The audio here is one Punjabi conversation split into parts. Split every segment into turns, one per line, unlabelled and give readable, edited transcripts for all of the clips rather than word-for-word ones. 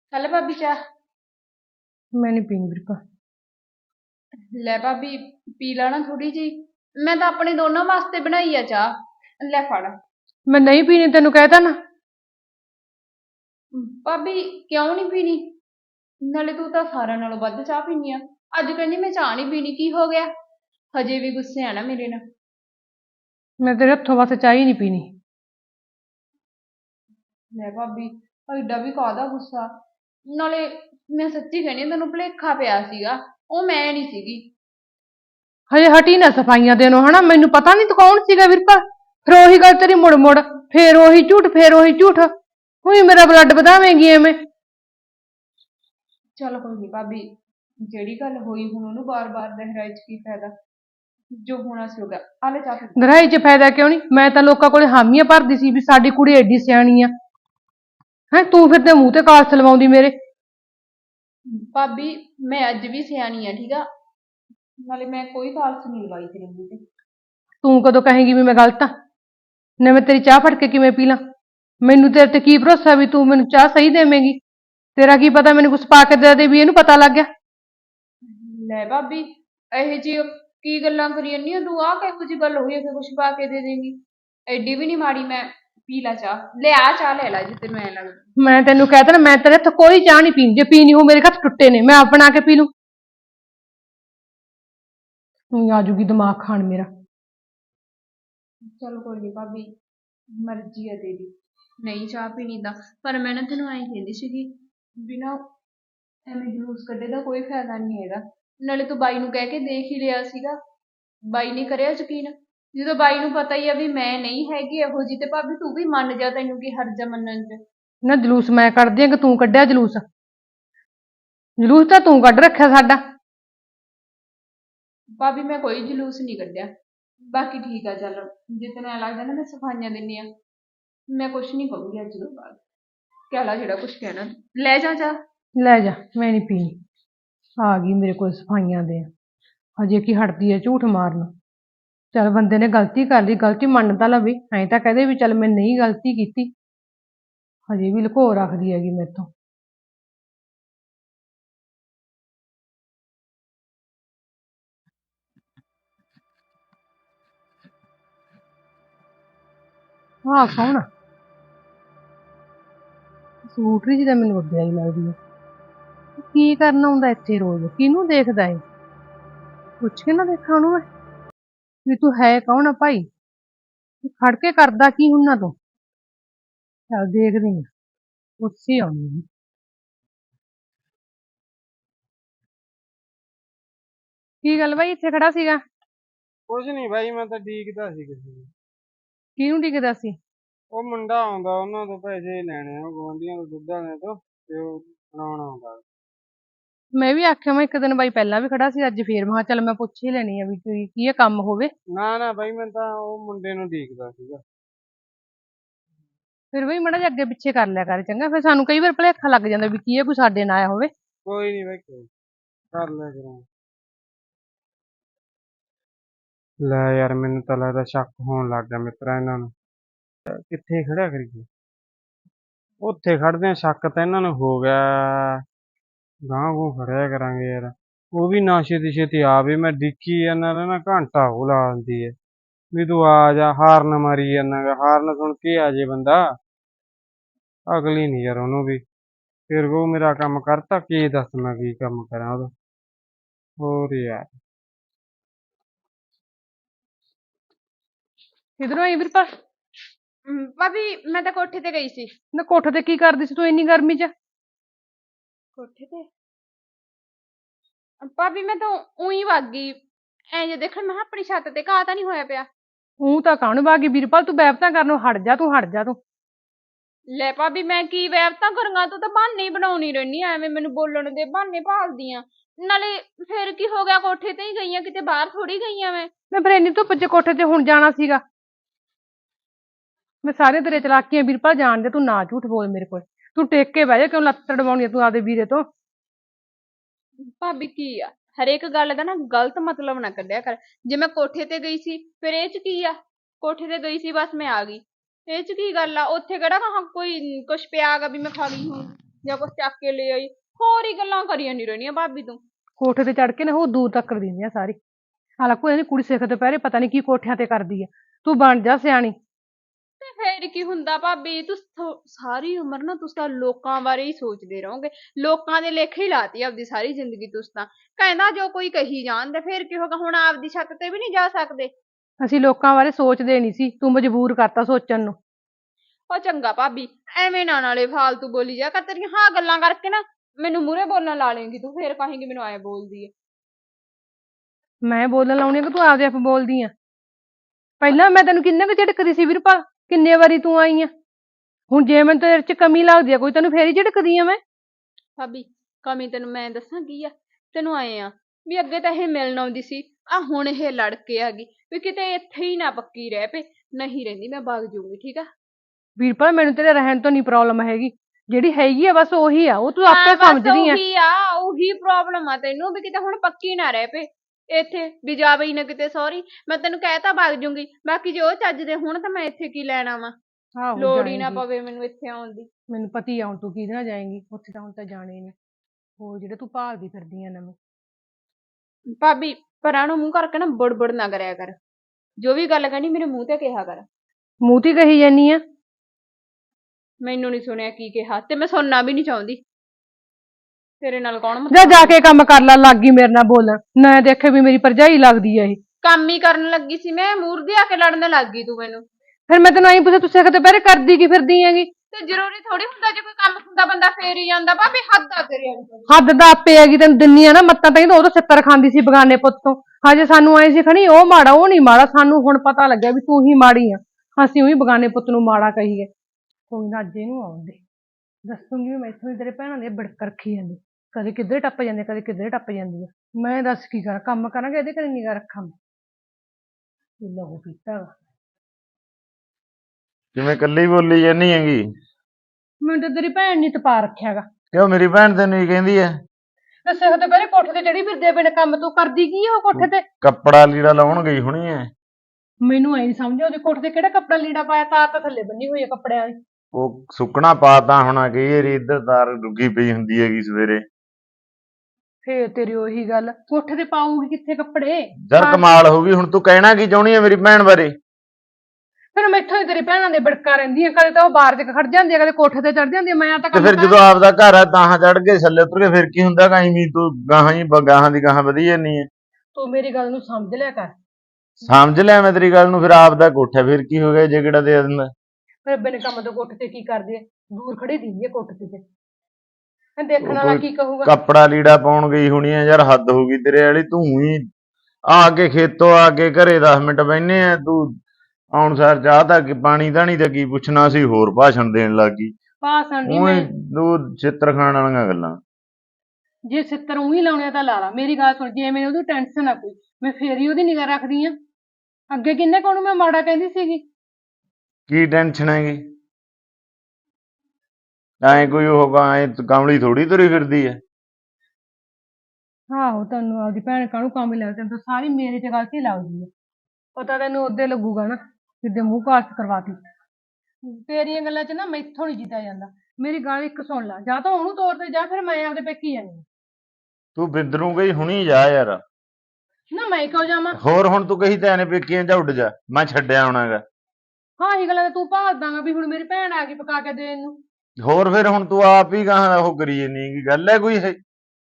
ਚੱਲ ਭਾਬੀ ਚਾਹ।
ਮੈਂ ਨਹੀਂ ਪੀਣੀ ਵੀਰਪਾ।
ਲੈ ਭਾਬੀ ਪੀ ਲੈਣਾ ਥੋੜੀ ਜੀ। ਮੈਂ ਤਾਂ ਆਪਣੇ ਦੋਨਾਂ ਵਾਸਤੇ ਬਣਾਈ ਆ ਚਾਹ। ਲੈ ਫੜ।
ਮੈਂ ਨਹੀਂ ਪੀਣੀ, ਤੈਨੂੰ ਕਹਿ ਤਾ ਨਾ।
ਭਾਬੀ ਕਿਉਂ ਨਹੀਂ ਪੀਣੀ? ਨਾਲੇ ਤੂੰ ਤਾਂ ਸਾਰਿਆਂ ਨਾਲੋਂ ਵੱਧ ਚਾਹ ਪੀਨੀ ਆ। ਅੱਜ ਕਹਿੰਦੀ ਮੈਂ ਚਾਹ ਨਹੀਂ ਪੀਣੀ, ਕੀ ਹੋ ਗਿਆ? ਹਜੇ ਵੀ ਗੁੱਸੇ ਆ ਨਾ ਮੇਰੇ ਨਾਲ?
ਮੈਂ ਤੇਰੇ ਹੱਥੋਂ ਬਸ ਚਾਹ ਹੀ ਨਹੀਂ ਪੀਣੀ।
ਲੈ ਭਾਬੀ ਐਡਾ ਵੀ ਕਾਹਦਾ ਗੁੱਸਾ? ਨਾਲੇ ਮੈਂ ਸੱਚੀ ਕਹਿੰਦੀ ਆ, ਤੈਨੂੰ ਭੁਲੇਖਾ ਪਿਆ ਸੀਗਾ, ਉਹ ਮੈਂ ਨਹੀਂ ਸੀਗੀ।
ਹਜੇ ਹਟੀ ਨਾ ਸਫਾਈਆਂ ਦੇਣੋਂ, ਹਨਾ? ਮੈਨੂੰ ਪਤਾ ਨਹੀਂ ਤੂੰ ਕੌਣ ਸੀਗਾ ਵੀਰਪਾ। ਫਿਰ ਉਹੀ ਗੱਲ ਤੇਰੀ ਮੁੜ ਮੁੜ, ਫੇਰ ਉਹੀ ਝੂਠ, ਫੇਰ ਉਹੀ ਝੂਠ। ਉਹੀ ਮੇਰਾ ਬਲੱਡ ਵਧਾਵੇਂਗੀ ਐਵੇਂ।
ਚੱਲ ਕੋਈ ਨਹੀਂ ਭਾਬੀ, ਜਿਹੜੀ ਗੱਲ ਹੋਈ ਹੁਣ ਉਹਨੂੰ ਬਾਰ-ਬਾਰ ਦੁਹਰਾਏ 'ਚ ਕੀ ਫਾਇਦਾ? ਜੋ ਹੋਣਾ ਸੀ ਹੋ ਗਿਆ। ਆ ਲੈ ਚਾਹ ਫਿਰ।
ਗਰਾਈ 'ਚ ਫਾਇਦਾ ਕਿਉਂ ਨਹੀਂ? ਮੈਂ ਤਾਂ ਲੋਕਾਂ ਕੋਲੇ ਹਾਮੀਆਂ ਭਰਦੀ ਸੀ ਵੀ ਸਾਡੀ ਕੁੜੀ ਐਡੀ ਸਿਆਣੀ ਆ। ਹੈਂ, ਤੂੰ ਫਿਰ ਤੇ ਮੂੰਹ ਤੇ ਕਾਲਸ ਲਵਾਉਂਦੀ ਮੇਰੇ।
ਭਾਬੀ ਮੈਂ ਅੱਜ ਵੀ ਸਿਆਣੀ ਆ, ਠੀਕ ਆ? ਨਾਲੇ ਮੈਂ ਕੋਈ ਕਾਲਸ ਨਹੀਂ ਲਵਾਈ ਤੇਰੇ ਮੂੰਹ ਤੇ।
ਤੂੰ ਕਦੋਂ ਕਹੇਂਗੀ ਵੀ ਮੈਂ ਗਲਤ ਆ? ਨਾ ਮੈਂ ਤੇਰੀ ਚਾਹ ਫੜ ਕੇ ਕਿਵੇਂ ਪੀ ਲਾਂ? ਮੈਨੂੰ ਤੇਰੇ ਤੇ ਕੀ ਭਰੋਸਾ ਵੀ ਤੂੰ ਮੈਨੂੰ ਚਾਹ ਸਹੀ ਦੇਵੇਂਗੀ? ਤੇਰਾ ਕੀ ਪਤਾ ਮੈਨੂੰ ਕੁਛ ਪਾ ਕੇ ਦੇ ਦੇ ਵੀ ਇਹਨੂੰ ਪਤਾ ਲੱਗ ਗਿਆ।
ਲੈ ਭਾਬੀ ਇਹੋ ਜਿਹੀ ਕੀ ਗੱਲਾਂ ਕਰੀ ਜਾਂਦੀ ਆ ਤੂੰ? ਆਹ ਕਿਹੋ ਜਿਹੀ ਗੱਲ ਹੋਈ ਹੈ ਕਿ ਕੁਛ ਪਾ ਕੇ ਦੇ ਦੇਂਗੀ? ਐਡੀ ਵੀ ਨਹੀਂ ਮਾੜੀ ਮੈਂ। ਪੀ ਲੈ ਚਾਹ, ਲੈ ਆ ਚਾਹ ਲੈ ਲੈ ਜੇ ਤੈਨੂੰ ਐਂ ਲੱਗਦਾ।
ਮੈਂ ਤੈਨੂੰ ਕਹਿ ਤਾ ਨਾ, ਮੈਂ ਤੇਰੇ ਹੱਥੋਂ ਕੋਈ ਚਾਹ ਨਹੀਂ ਪੀਣੀ। ਜੇ ਪੀਣੀ ਹੋ ਮੇਰੇ ਹੱਥ ਟੁੱਟੇ ਨੇ, ਮੈਂ ਆਪ ਬਣਾ ਕੇ ਪੀ ਲੂੰ। ਤੂੰ ਆ ਜੂਗੀ ਦਿਮਾਗ ਖਾਣ ਮੇਰਾ।
ਚਲ ਕੋਈ ਨਹੀਂ ਭਾਬੀ, ਮਰਜ਼ੀ ਆ ਤੇਰੀ, ਨਹੀਂ ਚਾਹ ਪੀਣੀ ਦਾ। ਪਰ ਮੈਂ ਨਾ ਤੈਨੂੰ ਐਂ ਕਹਿੰਦੀ ਸੀਗੀ ਵੀ ਨਾ, ਐਵੇਂ ਜਲੂਸ ਕੱਢੇ ਦਾ ਕੋਈ ਫਾਇਦਾ ਨਹੀਂ ਹੈਗਾ। ਨਾਲੇ ਤੂੰ ਬਾਈ ਨੂੰ ਕਹਿ ਕੇ ਦੇਖ ਹੀ ਲਿਆ ਸੀਗਾ, ਬਾਈ ਨੇ ਕਰਿਆ ਯਕੀਨ? ਜਦੋਂ ਬਾਈ ਨੂੰ ਪਤਾ ਹੀ ਆ ਵੀ ਮੈਂ ਨਹੀਂ ਹੈਗੀ ਇਹੋ ਜਿਹੀ, ਤੇ ਭਾਬੀ ਤੂੰ ਵੀ ਮੰਨ ਜਾ, ਤੈਨੂੰ ਕੀ ਹਰਜ ਆ ਮੰਨਣ 'ਚ?
ਨਾ ਜਲੂਸ ਮੈਂ ਕੱਢਦੀ ਆ ਕਿ ਤੂੰ ਕੱਢਿਆ ਜਲੂਸ? ਜਲੂਸ ਤਾਂ ਤੂੰ ਕੱਢ ਰੱਖਿਆ ਸਾਡਾ।
ਭਾਬੀ ਮੈਂ ਕੋਈ ਜਲੂਸ ਨਹੀਂ ਕੱਢਿਆ। ਬਾਕੀ ਠੀਕ ਆ, ਚੱਲ ਜੇ ਤੈਨੂੰ ਐਂ ਲੱਗਦਾ ਨਾ ਮੈਂ ਸਫਾਈਆਂ ਦਿੰਦੀ ਆ, ਮੈਂ ਕੁਛ ਨਹੀਂ ਕਹੂੰਗੀ ਅੱਜ ਤੋਂ ਬਾਅਦ। ਕਹਿ ਲਾ ਜਿਹੜਾ ਕੁਛ ਕਹਿਣਾ, ਲੈ ਜਾ ਜਾ।
ਲੈ ਜਾ, ਮੈਂ ਨਹੀਂ ਪੀਣੀ। ਆ ਗਈ ਮੇਰੇ ਕੋਲ ਸਫਾਈਆਂ ਦੇ। ਹਜੇ ਕੀ ਹਟਦੀ ਹੈ ਝੂਠ ਮਾਰਨ। ਚੱਲ ਬੰਦੇ ਨੇ ਗਲਤੀ ਕਰ ਲਈ, ਗਲਤੀ ਮੰਨ ਤਾਂ ਲਵੇ। ਐਂ ਤਾਂ ਕਹਦੇ ਵੀ ਚੱਲ ਮੈਂ ਨਹੀਂ ਗਲਤੀ ਕੀਤੀ। ਹਜੇ ਵੀ ਲੁਕੋ ਰੱਖਦੀ ਹੈਗੀ ਮੇਰੇ ਤੋਂ। ਹਾਂ ਕੌਣ? ਸਕੂਟਰੀ ਜਿਹੀ ਤਾਂ ਮੈਨੂੰ ਅੱਗੇ ਹੀ ਲੱਗਦੀ ਹੈ। ਕੀ ਕਰਨਾ ਹੁੰਦਾ ਇੱਥੇ ਰੋਜ਼? ਕਿਹਨੂੰ ਦੇਖਦਾ ਏ? ਪੁੱਛ ਕੇ ਨਾ ਦੇਖਾਂ ਉਹਨੂੰ ਮੈਂ ਵੀ ਤੂੰ ਹੈ ਕੌਣ ਆ ਭਾਈ? ਖੜ ਕੇ ਕਰਦਾ ਕੀ ਹੁੰਨਾ ਤੂੰ? ਚੱਲ ਦੇਖਦੀ ਆ, ਉੱਥੇ ਆਉਂਦੀ। ਕੀ ਗੱਲ ਬਾਈ, ਇੱਥੇ ਖੜਾ ਸੀਗਾ?
ਕੁਝ ਨਹੀਂ ਬਾਈ, ਮੈਂ ਤਾਂ ਡੀਕਦਾ ਸੀ ਕਿਸੇ ਨੂੰ।
ਕਿਹਨੂੰ ਡਿੱਗਦਾ ਸੀ?
ਉਹ ਮੁੰਡਾ ਆਉਂਦਾ, ਉਹਨਾਂ ਤੋਂ ਪੈਸੇ ਲੈਣੇ ਆ ਗੁਆਂਢੀਆਂ ਤੋਂ, ਦੁੱਧਾਂ ਦੇ ਤੋਂ, ਤੇ ਉਹ ਬਣਾਉਣ ਆਉਂਦਾ।
ਮੈਂ ਵੀ ਆਖਿਆ, ਮੈਂ ਇੱਕ ਦਿਨ ਬਾਈ ਪਹਿਲਾਂ ਵੀ ਖੜਾ ਸੀ, ਅੱਜ ਫੇਰ ਮੈਂ ਕਿਹਾ ਚੱਲ ਮੈਂ ਪੁੱਛ ਹੀ ਲੈਣੀ ਆ ਵੀ ਕੀ ਇਹ ਕੰਮ ਹੋਵੇ।
ਨਾ ਨਾ ਬਾਈ, ਮੈਂ ਤਾਂ ਉਹ ਮੁੰਡੇ ਨੂੰ ਡੀਕਦਾ ਸੀਗਾ।
ਫਿਰ ਬਈ ਮਾੜਾ ਜਿਹਾ ਅੱਗੇ ਪਿੱਛੇ ਕਰ ਲਿਆ ਕਰ, ਚੰਗਾ? ਫਿਰ ਸਾਨੂੰ ਕਈ ਵਾਰ ਭੁਲੇਖਾ ਲੱਗ ਜਾਂਦਾ ਵੀ ਕੀ ਇਹ ਕੋਈ ਸਾਡੇ ਨਾਲ ਆਇਆ ਹੋਵੇ।
ਕੋਈ ਨਹੀਂ ਬਾਈ, ਕੋਈ ਕਰ ਲਿਆ ਕਰਾਂ। ਲੈ ਯਾਰ, ਮੈਨੂੰ ਤਾਂ ਲੱਗਦਾ ਸ਼ੱਕ ਹੋਣ ਲੱਗ ਗਿਆ ਮਿੱਤਰਾ ਇਹਨਾਂ ਨੂੰ। ਕਿੱਥੇ ਖੜਿਆ ਕਰੀਏ? ਉੱਥੇ ਖੜਦੇ ਆ, ਸ਼ੱਕ ਤਾਂ ਇਹਨਾਂ ਨੂੰ ਹੋ ਗਿਆ। ਗਾਂਹ ਗੂੰ ਖੜਿਆ ਕਰਾਂਗੇ ਯਾਰ। ਉਹ ਵੀ ਨਾ ਛੇਤੀ ਛੇਤੀ ਆਵੇ, ਮੈਂ ਡਿੱਕੀ ਜਾਂਦਾ ਰਹਿਣਾ, ਘੰਟਾ ਉਹ ਲਾ ਦਿੰਦੀ ਹੈ ਵੀ ਤੂੰ ਆ ਜਾ। ਹਾਰਨ ਮਾਰੀ ਜਾਂਦਾ ਗਾ, ਹਾਰਨ ਸੁਣ ਕੇ ਆ ਜੇ ਬੰਦਾ। ਅਗਲੀ ਨਹੀਂ ਯਾਰ ਉਹਨੂੰ ਵੀ, ਫਿਰ ਉਹ ਮੇਰਾ ਕੰਮ ਕਰਤਾ, ਕੀ ਦੱਸ ਮੈਂ ਕੀ ਕੰਮ ਕਰਾਂ ਉਹਦਾ? ਹੋਰ ਯਾਰ।
ਕਿਧਰੋਂ ਆਈ ਵੀਰਪਾ?
ਭਾਬੀ ਮੈਂ ਤਾਂ ਕੋਠੇ ਤੇ ਗਈ ਸੀ।
ਨਾ ਕੋਠੇ ਤੇ ਕੀ ਕਰਦੀ ਸੀ ਤੂੰ ਇੰਨੀ ਗਰਮੀ 'ਚ?
ਕੋਠੇ ਤੇ ਭਾਬੀ ਮੈਂ ਤਾਂ ਉਹੀ ਵਗ ਗਈ, ਐਂ ਜੇ ਦੇਖਣ ਮੈਂ ਕਿਹਾ ਆਪਣੀ ਛੱਤ ਤੇ ਘਾਹ ਤਾਂ ਨਹੀਂ ਹੋਇਆ ਪਿਆ।
ਊਂ ਤਾਂ ਕਾਹਨੂੰ ਬਾਗੀ ਵੀਰਪਾਲ, ਤੂੰ ਬੈਬਤਾਂ ਕਰਨੋਂ ਹਟ ਜਾ, ਤੂੰ ਹਟ ਜਾ ਤੂੰ।
ਲੈ ਭਾਬੀ ਮੈਂ ਕੀ ਵੈਬਤਾਂ ਕਰਾਂਗਾ? ਤੂੰ ਤਾਂ ਬਹਾਨੇ ਹੀ ਬਣਾਉਣੀ ਰਹਿਨੀ ਆ, ਐਵੇਂ ਮੈਨੂੰ ਬੋਲਣ ਦੇ ਬਹਾਨੇ ਭਾਲਦੀ ਆ। ਨਾਲੇ ਫਿਰ ਕੀ ਹੋ ਗਿਆ, ਕੋਠੇ ਤੇ ਹੀ ਗਈ ਆ, ਕਿਤੇ ਬਾਹਰ ਥੋੜੀ ਗਈ ਆ
ਮੈਂ ਫਿਰ ਇੰਨੀ ਧੁੱਪ 'ਚ ਕੋਠੇ ਤੇ ਹੁਣ ਜਾਣਾ ਸੀਗਾ? ਮੈਂ ਸਾਰੇ ਤੇਰੇ ਚਲਾਕੀਆਂ ਵੀਰਪਾਲ ਜਾਣਦੇ, ਤੂੰ ਨਾ ਝੂਠ ਬੋਲ ਮੇਰੇ ਕੋਲ। ਤੂੰ ਟੇਕ ਕੇ ਬਹਿ ਜਾ, ਕਿਉਂ ਲੱਤ ਤੜਵਾਉਣੀ ਆ ਤੂੰ ਆਪਦੇ ਵੀਰੇ ਤੋਂ?
ਭਾਬੀ ਕੀ ਆ, ਹਰੇਕ ਗੱਲ ਦਾ ਨਾ ਗਲਤ ਮਤਲਬ ਨਾ ਕੱਢਿਆ ਕਰ। ਜੇ ਮੈਂ ਕੋਠੇ ਤੇ ਗਈ ਸੀ ਫਿਰ ਇਹ ਚ ਕੀ ਆ? ਕੋਠੇ ਤੇ ਗਈ ਸੀ, ਬਸ ਮੈਂ ਆ ਗਈ, ਇਹ ਚ ਕੀ ਗੱਲ ਆ? ਉੱਥੇ ਕਿਹੜਾ ਕੋਈ ਕੁਛ ਪਿਆ ਗਾ ਵੀ ਮੈਂ ਖਾ ਗਈ ਹੁਣ? ਜਾਂ ਕੁਛ ਚੱਕ ਕੇ ਲੈ ਆਈ। ਹੋਰ ਹੀ ਗੱਲਾਂ ਕਰੀਆਂ ਨਹੀਂ ਰਹਿਣੀਆਂ ਭਾਬੀ ਤੂੰ।
ਕੋਠੇ ਤੇ ਚੜ ਕੇ ਨਾ ਉਹ ਦੂਰ ਤੱਕ ਦਿੰਦੀ ਆ ਸਾਰੀ। ਹਾਲਾਂਕਿ ਇਹਦੀ ਕੁੜੀ ਸਿੱਖ ਦੁਪਹਿਰੇ ਪਤਾ ਨਹੀਂ ਕੀ ਕੋਠਿਆਂ ਤੇ ਕਰਦੀ ਆ। ਤੂੰ ਬਣ ਜਾ ਸਿਆਣੀ।
ਤੇ ਫੇਰ ਕੀ ਹੁੰਦਾ ਭਾਬੀ, ਸਾਰੀ ਉਮਰ ਨਾ ਤੁਸੀਂ ਤਾਂ ਲੋਕਾਂ ਬਾਰੇ ਹੀ ਸੋਚਦੇ ਰਹੋਗੇ। ਲੋਕਾਂ ਦੇ ਲੇਖੇ ਹੀ ਲਾਤੀ ਆਪਦੀ ਸਾਰੀ ਜ਼ਿੰਦਗੀ ਤੁਸੀਂ ਤਾਂ। ਕਹਿੰਦਾ ਜੋ ਕੋਈ ਕਹੀ ਜਾਣ ਤੇ ਫੇਰ ਕੀ ਹੋਗਾ, ਹੁਣ ਆਪਦੀ ਛੱਤ ਤੇ ਵੀ ਨਹੀਂ ਜਾ ਸਕਦੇ।
ਅਸੀਂ ਲੋਕਾਂ ਬਾਰੇ ਸੋਚਦੇ ਨਹੀਂ ਸੀ, ਤੂੰ ਮਜਬੂਰ ਕਰਤਾ ਸੋਚਣ ਨੂੰ।
ਉਹ ਚੰਗਾ ਭਾਬੀ, ਐਵੇਂ ਨਾ ਨਾਲੇ ਫਾਲਤੂ ਬੋਲੀ ਜਾ ਕਰ। ਤੇਰੀਆਂ ਹਾਂ ਗੱਲਾਂ ਕਰਕੇ ਨਾ ਮੈਨੂੰ ਮੂਹਰੇ ਬੋਲਣ ਲਾ ਲੇਂਗੀ ਤੂੰ, ਫੇਰ ਕਹੇਂਗੀ ਮੈਨੂੰ ਐ ਬੋਲਦੀ ਐ।
ਮੈਂ ਬੋਲਣ ਲਾਉਣੀ ਆ ਕਿ ਤੂੰ ਆਪਦੇ ਆਪ ਬੋਲਦੀ ਆ? ਪਹਿਲਾਂ ਮੈਂ ਤੈਨੂੰ ਕਿੰਨਾ ਕੁ ਝਿੜਕਦੀ ਸੀ ਵੀਰਪਾਲ, ਕਿੰਨੇ ਵਾਰੀ ਤੂੰ ਆਈ ਆ। ਹੁਣ ਜੇ ਮੈਨੂੰ ਤੇਰੇ ਚ ਕਮੀ ਲੱਗਦੀ ਆ ਕੋਈ, ਤੈਨੂੰ ਫੇਰ ਹੀ ਝਿੜਕਦੀ ਆ ਮੈਂ।
ਭਾਬੀ ਕਮੀ ਤੈਨੂੰ ਮੈਂ ਦੱਸਾਂ ਕੀ ਆ, ਤੈਨੂੰ ਆਏ ਆ ਵੀ ਅੱਗੇ ਤਾਂ ਇਹ ਮਿਲਣ ਆਉਂਦੀ ਸੀ, ਆ ਹੁਣ ਇਹ ਲੜ ਕੇ ਆ ਗਈ ਵੀ ਕਿਤੇ ਇੱਥੇ ਹੀ ਨਾ ਪੱਕੀ ਰਹਿ ਪਏ। ਨਹੀਂ ਰਹਿੰਦੀ, ਮੈਂ ਵਗ ਜੂਗੀ ਠੀਕ ਆ।
ਵੀਰਪਾਲ ਮੈਨੂੰ ਤੇਰੇ ਰਹਿਣ ਤੋਂ ਨਹੀਂ ਪ੍ਰੋਬਲਮ ਹੈਗੀ, ਜਿਹੜੀ ਹੈਗੀ ਆ ਬਸ ਉਹੀ ਆ, ਉਹ ਤੂੰ
ਹਾਂ
ਆਪੇ
ਬਸ
ਸਮਝਦੀ ਆ।
ਉਹੀ ਪ੍ਰੋਬਲਮ ਆ ਤੈਨੂੰ ਵੀ ਕਿਤੇ ਹੁਣ ਪੱਕੀ ਨਾ ਰਹਿ ਪਏ ਇੱਥੇ, ਵੀ ਜਾਵੇ ਹੀ ਨਾ ਕਿਤੇ ਸੌਰੀ। ਮੈਂ ਤੈਨੂੰ ਕਹਿ ਤਾਂ ਵਗ ਜੂਗੀ, ਬਾਕੀ ਜੇ ਉਹ ਚੱਜਦੇ ਹੁਣ ਤਾਂ ਮੈਂ ਇੱਥੇ ਕੀ ਲੈਣਾ ਵਾ।
ਆਹੋ
ਲੋੜ ਹੀ ਨਾ
ਜਾਏਂਗੀ।
ਪਵੇ ਮੈਨੂੰ ਇੱਥੇ ਆਉਣ ਦੀ।
ਮੈਨੂੰ ਪਤੀ ਆ ਹੁਣ ਤੂੰ ਕਿਹਦੇ ਨਾਲ ਜਾਏਂਗੀ, ਉੱਥੇ ਤਾਂ ਹੁਣ ਤਾਂ ਜਾਣੇ ਨੇ ਹੋਰ ਜਿਹੜੇ ਤੂੰ ਭਾਲਦੀ ਫਿਰਦੀ ਆ ਨਵੇਂ।
ਭਾਬੀ ਪਰਾਂ ਨੂੰ ਮੂੰਹ ਕਰਕੇ ਨਾ ਬੜਬੜ ਨਾ ਕਰਿਆ ਕਰ। ਜੋ ਵੀ ਗੱਲ ਕਹਿਣੀ ਮੇਰੇ ਮੂੰਹ ਤੇ ਕਿਹਾ ਕਰ।
ਮੂੰਹ ਤੇ ਕਹੀ ਜਾਨੀ ਆ।
ਮੈਨੂੰ ਨਹੀਂ ਸੁਣਿਆ ਕੀ ਕਿਹਾ, ਤੇ ਮੈਂ ਸੁਣਨਾ ਵੀ ਨਹੀਂ ਚਾਹੁੰਦੀ। ਤੇਰੇ ਨਾਲ ਕੌਣ
ਜਾ ਕੇ ਕੰਮ ਕਰ ਲੈ, ਲੱਗ ਗਈ ਮੇਰੇ ਨਾਲ ਬੋਲਣ। ਨਾ ਦੇਖੇ ਵੀ ਮੇਰੀ ਭਰਜਾਈ ਲੱਗਦੀ ਆ ਇਹ।
ਕੰਮ ਹੀ ਕਰਨ ਲੱਗੀ ਸੀ ਮੈਂ, ਮੂਹਰ ਦੀ ਆ ਕੇ ਲੜਨ ਲੱਗ ਗਈ ਤੂੰ ਮੈਨੂੰ।
ਫਿਰ ਮੈਂ ਤੈਨੂੰ ਆਈ ਪੁੱਛਿਆ ਤੂੰ ਸਿੱਖ ਦੁਪਹਿਰੇ ਕਰਦੀ ਕੀ ਫਿਰਦੀ ਹੈਗੀ?
ਤੇ ਜ਼ਰੂਰੀ ਥੋੜੀ ਹੁੰਦਾ ਜੇ ਕੋਈ ਕੰਮ ਹੁੰਦਾ ਬੰਦਾ ਫੇਰ ਹੀ ਜਾਂਦਾ। ਭਾਬੀ ਹੱਦ ਆ ਤੇਰੇ ਵਾਲੀ।
ਹੱਦ ਦਾ ਆਪੇ ਹੈਗੀ, ਤੈਨੂੰ ਦਿੰਨੀ ਆ ਨਾ ਮੱਤਾਂ ਤਾਂ ਉਹ ਤਾਂ 70 ਖਾਂਦੀ ਸੀ ਬਗਾਨੇ ਪੁੱਤ ਤੋਂ। ਹਜੇ ਸਾਨੂੰ ਆਏ ਸੀ ਖਣੀ ਉਹ ਮਾੜਾ ਉਹ ਨਹੀਂ ਮਾੜਾ, ਸਾਨੂੰ ਹੁਣ ਪਤਾ ਲੱਗਿਆ ਵੀ ਤੂੰ ਹੀ ਮਾੜੀ ਆ। ਅਸੀਂ ਉਹੀ ਬਗਾਨੇ ਪੁੱਤ ਨੂੰ ਮਾੜਾ ਕਹੀਏ। ਕੋਈ ਨਾ ਅੱਜ ਇਹਨੂੰ ਆਉਣ ਦੇ, ਦੱਸੂਗੀ ਵੀ ਮੈਥੋਂ ਹੀ ਤੇਰੇ ਭੈਣਾਂ ਦੀ ਬਿੜਕ ਰੱਖੀ ਜਾਂਦੀ। ਕਦੇ ਕਿੱਧਰੇ ਟੱਪ ਜਾਂਦੇ, ਕਦੇ ਕਿੱਧਰੇ ਟੱਪ ਜਾਂਦੀ ਆ। ਮੈਂ ਦੱਸ ਕੀ ਕਰਾਂ, ਕੰਮ ਕਰਾਂਗੇ ਇਹਦੇ ਕਦੇ ਨਿਗਾਹ ਰੱਖਾਂ ਮੈਂ। ਲਹੂ ਪੀਤਾ ਵਾ।
ਕਿਵੇਂ ਕੱਲੀ ਬੋਲੀ ਜਾਨੀ ਹੈਗੀ?
ਮੈਨੂੰ ਤਾਂ ਤੇਰੀ ਭੈਣ ਨੇ ਤਪਾ ਰੱਖਿਆਗਾ।
ਕਿਉਂ ਮੇਰੀ ਭੈਣ ਤੈਨੂੰ ਹੀ ਕਹਿੰਦੀ ਐ?
ਦੱਸਿਆ ਤਾਂ ਪਹਿਲੇ ਕੋਠੇ ਤੇ ਚੜੀ ਫਿਰਦੇ ਪਏ ਨੇ, ਕੰਮ ਤੂੰ ਕਰਦੀ ਕੀ ਆ ਉਹ ਕੋਠੇ ਤੇ?
ਕੱਪੜਾ ਲੀੜਾ ਲਾਉਣ ਗਈ ਹੋਣੀ ਐ।
ਮੈਨੂੰ ਐ ਨਹੀਂ ਸਮਝ ਆਉਂਦੀ ਕੋਠੇ ਤੇ ਕਿਹੜਾ ਕੱਪੜਾ ਲੀੜਾ ਪਾਇਆ, ਤਾਂ ਥੱਲੇ ਬੰਨੀ ਹੋਈ ਆ ਕੱਪੜਿਆਂ ਦੀ।
ਉਹ ਸੁੱਕਣਾ ਪਾਤਾ ਹੋਣਾ, ਕਈ ਵਾਰੀ ਇੱਧਰ ਤਾਰ ਡੁੱਗੀ ਪਈ ਹੁੰਦੀ ਹੈਗੀ ਸਵੇਰੇ।
ਫੇਰ ਤੇਰੀ ਉਹੀ ਗੱਲ, ਕੋਠੇ ਤੇ ਪਾਉਂਗੀ ਕਿੱਥੇ ਕੱਪੜੇ?
ਯਾਰ ਕਮਾਲ ਹੋ ਗਈ, ਹੁਣ ਤੂੰ ਕਹਿਣਾ ਕੀ ਚਾਹੁੰਦੀ ਐ ਮੇਰੀ ਭੈਣ ਬਾਰੇ?
ਫਿਰ ਮੈਥੋਂ ਹੀ ਤੇਰੀ ਭੈਣਾਂ ਦੇ ਬਿੜਕਾਂ ਰਹਿੰਦੀਆਂ, ਕਦੇ ਤਾਂ ਉਹ ਬਾਹਰ ਚ ਖੜ ਜਾਂਦੀ ਆ, ਕਦੇ ਕੋਠੇ ਤੇ ਚੜ ਜਾਂਦੀ ਆ। ਮੈਂ ਤਾਂ
ਤੇ
ਕੰਮ
ਫਿਰ ਜਦੋਂ ਆਪਦਾ ਘਰ ਆ ਤਾਂ ਚੜ ਕੇ ਥੱਲੇ ਉਤਰ ਕੇ ਫਿਰ ਕੀ ਹੁੰਦਾ? ਐਵੇਂ ਤੂੰ ਗਾਹਾਂ ਦੀ ਗਾਹਾਂ ਵਧੀ ਜਾਨੀ ਐ।
ਤੂੰ ਮੇਰੀ ਗੱਲ ਨੂੰ ਸਮਝ ਲਿਆ ਕਰ।
ਸਮਝ ਲਿਆ ਮੈਂ ਤੇਰੀ ਗੱਲ ਨੂੰ, ਫਿਰ ਆਪਦਾ ਕੋਠਾ ਫਿਰ ਕੀ ਹੋ ਗਿਆ ਜੇ ਕਿਹੜਾ ਦੇ ਦਿੰਦਾ।
ਫਿਰ ਬਿਨ ਕੰਮ ਤੋਂ ਕੋਠੇ ਤੇ ਕੀ ਕਰਦੇ ਆ? ਦੂਰ ਖੜੀ ਦਿੰਦੀ ਆ ਕੋਠੇ ਤੇ। ਦੇਖਣ ਵਾਲਾ ਕੀ ਕਹੂਗਾ?
ਕੱਪੜਾ ਲੀੜਾ ਪਾਉਣ ਗਈ ਹੋਣੀ ਐ ਯਾਰ, ਹੱਦ ਹੋ ਗਈ ਤੇਰੇ ਵਾਲੀ। ਤੂੰ ਹੀ ਆ ਕੇ ਖੇਤੋਂ ਆ ਕੇ ਘਰੇ 10 ਮਿੰਟ ਬਹਿਨੇ ਆ, ਤੂੰ ਆਉਣ ਸਾਰ ਚਾਹ ਤਾਂ ਕਿ ਪਾਣੀ ਧਾਣੀ ਦਾ ਕੀ ਪੁੱਛਣਾ ਸੀ, ਹੋਰ ਭਾਸ਼ਣ ਦੇਣ ਲੱਗ ਗਈ।
ਭਾਸ਼ਣ ਦੀ
ਉਹੀ
ਮੈਂ
ਤੂੰ ਚਿੱਤਰ ਖਾਣ ਵਾਲੀਆਂ ਗੱਲਾਂ।
ਜੇ ਸਿੱਤਰ ਉਹੀ ਲਾਉਣੇ ਤਾਂ ਲਾ ਲਾ। ਮੇਰੀ ਗੱਲ ਸੁਣ, ਜੇ ਮੈਨੂੰ ਉਹਦੀ ਟੈਨਸ਼ਨ ਆ ਕੋਈ, ਮੈਂ ਫੇਰ ਹੀ ਉਹਦੀ ਨਿਗਾਹ ਰੱਖਦੀ ਆ। ਅੱਗੇ ਕਿੰਨੇ ਕੋਣ ਮੈਂ ਮਾੜਾ ਕਹਿੰਦੀ ਸੀਗੀ?
ਕੀ ਟੈਨਸ਼ਨ ਹੈਗੀ? ਐ ਕੋਈ ਉਹ ਐ ਕਮਲੀ ਥੋੜੀ ਤੁਰੀ ਫਿਰਦੀ ਐ।
ਆਹੋ ਤੈਨੂੰ ਆਪਦੀ ਭੈਣ ਕਾਹਨੂੰ ਕੰਮ ਲੱਗਦਾ, ਤੈਨੂੰ ਤਾਂ ਸਾਰੀ ਮੇਰੇ ਚ ਗਲਤੀ ਲੱਗਦੀ ਆ। ਪਤਾ ਤੈਨੂੰ ਉਹਦੇ ਲੱਗੂਗਾ ਨਾ ਜਿੱਦੇ ਮੂੰਹ ਕਾਸ ਕਰਵਾਤੀ। ਤੇਰੀਆਂ ਗੱਲਾਂ ਚ ਨਾ ਮੈਥੋਂ ਨਹੀਂ ਜਿੱਤਿਆ ਜਾਂਦਾ। ਮੇਰੀ ਗੱਲ ਇੱਕ ਸੁਣ ਲੈ, ਜਾਂ ਤਾਂ ਉਹਨੂੰ ਤੋਰ ਤੇ ਜਾ, ਫਿਰ ਮੈਂ ਆਪਦੇ ਪੇਕੀ ਜਾਣੀ।
ਤੂੰ ਬਿੰਦਰੂ ਗਈ ਹੁਣੀ ਜਾ ਯਾਰ।
ਨਾ ਮੈਂ ਕਿਉਂ ਜਾਵਾਂ?
ਹੋਰ ਹੁਣ ਤੂੰ ਕਹੀ ਤਾਂ ਐਨੇ ਪੇਕੀਆਂ ਜਾ ਉੱਡ ਜਾ, ਮੈਂ ਛੱਡਿਆ ਆਉਣਾਗਾ।
ਹਾਂ ਇਹ ਗੱਲਾਂ ਤਾਂ ਤੂੰ ਭਾਲਦਾਗਾ ਵੀ ਹੁਣ ਮੇਰੀ ਭੈਣ ਆ ਗਈ ਪਕਾ ਕੇ ਦੇਣ ਨੂੰ।
ਹੋਰ ਫਿਰ ਹੁਣ ਤੂੰ ਆਪ ਹੀ ਗਾਹਾਂ ਉਹ ਕਰੀ ਜਾਨੀ ਹੈਗੀ, ਗੱਲ ਹੈ ਕੋਈ ਇਹ?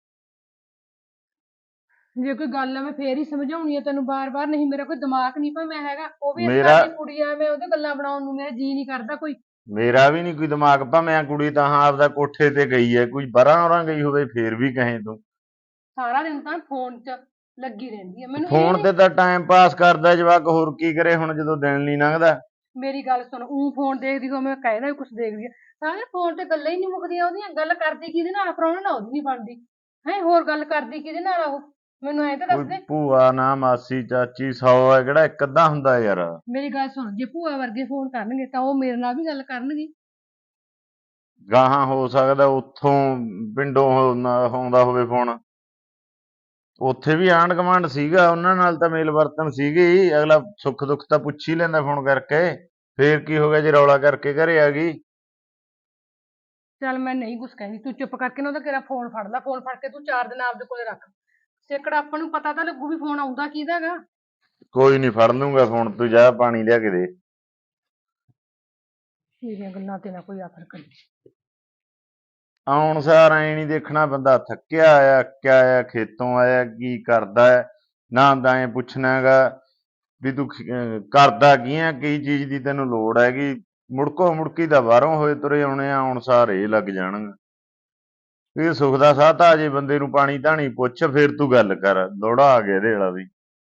ਜੇ ਕੋਈ ਗੱਲ ਆ ਮੈਂ ਫੇਰ ਹੀ ਸਮਝਾਉਣੀ ਆ ਤੈਨੂੰ ਬਾਰ-ਬਾਰ, ਨਹੀਂ ਮੇਰਾ ਕੋਈ ਦਿਮਾਗ ਨਹੀਂ ਭਾਵੇਂ ਹੈਗਾ। ਉਹ ਵੀ ਇਸ
ਮੇਰਾ
ਘਰ ਦੀ ਕੁੜੀ ਆ, ਮੈਂ ਉਹਦੇ ਗੱਲਾਂ ਬਣਾਉਣ ਨੂੰ ਮੇਰਾ ਜੀ ਨਹੀਂ ਕਰਦਾ ਕੋਈ।
ਮੇਰਾ ਵੀ ਨਹੀਂ ਕੋਈ ਦਿਮਾਗ, ਭਾਵੇਂ ਕੁੜੀ ਤਾਂ ਹਾਂ ਆਪਦਾ ਕੋਠੇ ਤੇ ਗਈ ਹੈ, ਕੋਈ ਬਾਹਰਾਂ ਔਰਾਂ ਗਈ ਹੋਵੇ ਫੇਰ ਵੀ ਕਹੇ ਤੂੰ।
ਸਾਰਾ ਦਿਨ ਤਾਂ ਫੋਨ 'ਚ ਲੱਗੀ ਰਹਿੰਦੀ ਆ। ਮੈਨੂੰ ਇਹ
ਫੋਨ
ਨੀ,
ਤੇ ਤਾਂ ਟਾਈਮ ਪਾਸ ਕਰਦਾ ਜਵਾਕ, ਹੋਰ ਕੀ ਕਰੇ ਹੁਣ ਜਦੋਂ ਦਿਨ ਨਹੀਂ ਲੰਘਦਾ।
ਮੇਰੀ ਗੱਲ ਸੁਣ, ਉਹ ਫੋਨ ਦੇਖਦੀ ਹੋ, ਮੈਂ ਕਹਿਦਾ ਵੀ ਕੁਛ ਦੇਖਦੀ ਆ। ਸਾਰਾ ਦਿਨ ਫੋਨ ਤੇ ਗੱਲਾਂ ਹੀ ਨਹੀਂ ਮੁੱਕਦੀਆਂ ਉਹਦੀਆਂ। ਗੱਲ ਕਰਦੀ ਕਿਹਦੇ ਨਾਲ, ਪ੍ਰਾਹੁਣੇ ਨਾਲ ਉਹਦੀ ਨਹੀਂ ਬਣਦੀ ਹੈ, ਹੋਰ ਗੱਲ ਕਰਦੀ ਕਿਹਦੇ ਨਾਲ ਆ ਉਹ? ਮੈਨੂੰ ਐਂ ਤਾਂ ਦੱਸ
ਕੋਈ
ਦੇ।
ਭੂਆ ਨਾ ਮਾਸੀ ਚਾਚੀ 100 ਹੈ, ਕਿਹੜਾ ਇੱਕ ਅੱਧਾ ਹੁੰਦਾ ਯਾਰ।
ਮੇਰੀ ਗੱਲ ਸੁਣ, ਜੇ ਭੂਆ ਵਰਗੇ ਫੋਨ ਕਰਨਗੇ ਤਾਂ ਉਹ ਮੇਰੇ ਨਾਲ ਵੀ ਗੱਲ ਕਰਨਗੇ।
ਗਾਹਾਂ ਹੋ ਸਕਦਾ ਉੱਥੋਂ ਪਿੰਡੋਂ ਆਉਂਦਾ ਹੋਵੇ ਫੋਨ, ਉੱਥੇ ਵੀ ਆਂਢ ਗੁਆਂਢ ਸੀਗਾ, ਉਹਨਾਂ ਨਾਲ ਤਾਂ ਮੇਲ ਵਰਤਨ ਸੀਗੀ। ਅਗਲਾ ਸੁੱਖ ਦੁੱਖ ਤਾਂ ਪੁੱਛ ਹੀ ਲੈਂਦਾ ਫੋਨ ਕਰਕੇ। ਫੇਰ ਕੀ ਹੋ ਗਿਆ ਜੇ ਰੌਲਾ ਕਰਕੇ ਘਰੇ ਆ ਗਈ?
ਚੱਲ ਮੈਂ ਨਹੀਂ ਕੁਛ ਕਹਿੰਦੀ, ਤੂੰ ਚੁੱਪ ਕਰਕੇ ਨਾ ਉਹਦਾ ਤੇਰਾ ਫੋਨ ਫੜ ਲੈ, ਫੋਨ ਫੜ ਕੇ ਤੂੰ 4 ਦਿਨ ਆਪਦੇ ਕੋਲੇ ਰੱਖ। ਸੇਕੜਾ ਆਪਾਂ ਨੂੰ ਪਤਾ ਤਾਂ ਲੱਗੂ ਵੀ ਫੋਨ ਆਉਂਦਾ ਕਿਹਦਾ ਗਾ।
ਕੋਈ ਨਹੀਂ ਫੜ ਲੂੰਗਾ ਫੋਨ, ਤੂੰ ਜਾ ਪਾਣੀ ਲਿਆ ਕੇ ਦੇ।
ਮੇਰੀਆਂ ਗੱਲਾਂ ਤੇ ਨਾ ਕੋਈ ਆਖਰ ਕਰੀ।
ਆਉਣ ਸਾਰ ਐ ਨਹੀਂ ਦੇਖਣਾ ਬੰਦਾ ਥੱਕਿਆ ਆਇਆ ਕਿਆ ਆਇਆ, ਖੇਤੋਂ ਆਇਆ ਕੀ ਕਰਦਾ ਹੈ, ਨਾ ਤਾਂ ਐ ਪੁੱਛਣਾ ਹੈਗਾ ਵੀ ਤੂੰ ਕਰਦਾ ਕੀ ਆ, ਕੀ ਚੀਜ਼ ਦੀ ਤੈਨੂੰ ਲੋੜ ਹੈਗੀ। ਮੁੜਕੋ ਮੁੜਕੀ ਦਾ ਬਾਹਰੋਂ ਹੋਏ ਤੁਰੇ ਆਉਣੇ ਆ, ਆਉਣ ਸਾਰ ਇਹ ਲੱਗ ਜਾਣਗੇ। ਇਹ ਸੁੱਖ ਦਾ ਸਾਹ ਤਾਂ ਅਜੇ ਬੰਦੇ ਨੂੰ ਪਾਣੀ ਧਾਣੀ ਪੁੱਛ, ਫਿਰ ਤੂੰ ਗੱਲ ਕਰ। ਲੋੜਾ ਆ ਗਿਆ ਇਹਦੇ ਵਾਲਾ ਵੀ।